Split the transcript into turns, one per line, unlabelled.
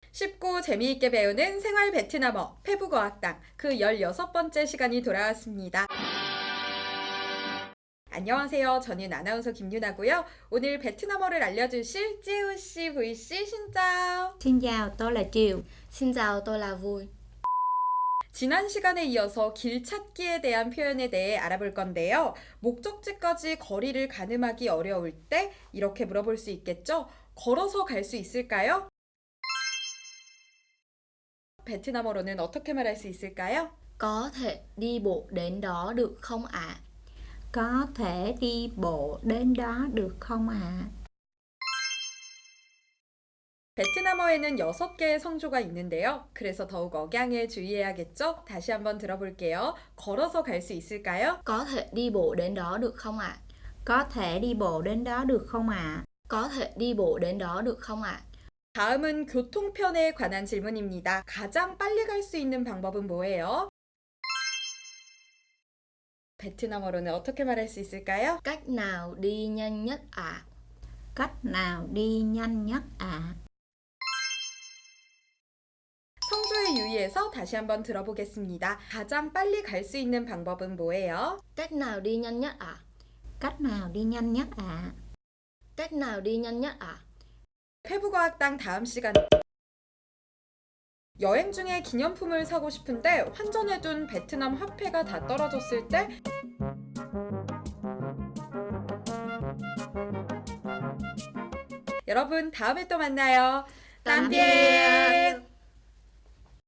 쉽고 재미있게 배우는 생활 베트남어 페북어학당 그 16번째 시간이 돌아왔습니다. 안녕하세요. 저는 아나운서 김유나고요. 오늘 베트남어를 알려주실 찌우씨, V씨, 신짜오.
Xin chào, tôi là Triều.
Xin chào, tôi là Vui.
지난 시간에 이어서 길 찾기에 대한 표현에 대해 알아볼 건데요. 목적지까지 거리를 가늠하기 어려울 때 이렇게 물어볼 수 있겠죠? 걸어서 갈 수 있을까요? 베트남어로는 어떻게 말할 수 있을까요?
Có thể đi bộ đến đó được không ạ?
Có thể đi bộ đến đó được không ạ?
베트남어에는 6개의 성조가 있는데요. 그래서 더욱 억양에 주의해야겠죠? 다시 한번 들어볼게요. 걸어서 갈 수 있을까요?
Có thể đi bộ đến đó được không ạ?
Có thể đi bộ đến đó được không ạ?
Có thể đi bộ đến đó được không ạ?
다음은 교통편에 관한 질문입니다. 가장 빨리 갈 수 있는 방법은 뭐예요? 베트남어로는 어떻게 말할 수 있을까요?
Cách nào đi nhanh nhất ạ?
Cách nào đi nhanh nhất ạ?
성조에 유의해서 다시 한번 들어보겠습니다. 가장 빨리 갈 수 있는 방법은 뭐예요?
Cách nào đi nhanh nhất ạ?
Cách nào đi nhanh nhất ạ?
Cách nào đi nhanh nhất ạ?
페북어학당 다음 시간 여행 중에 기념품을 사고 싶은데 환전해둔 베트남 화폐가 다 떨어졌을 때 여러분 다음에 또 만나요. 땀비에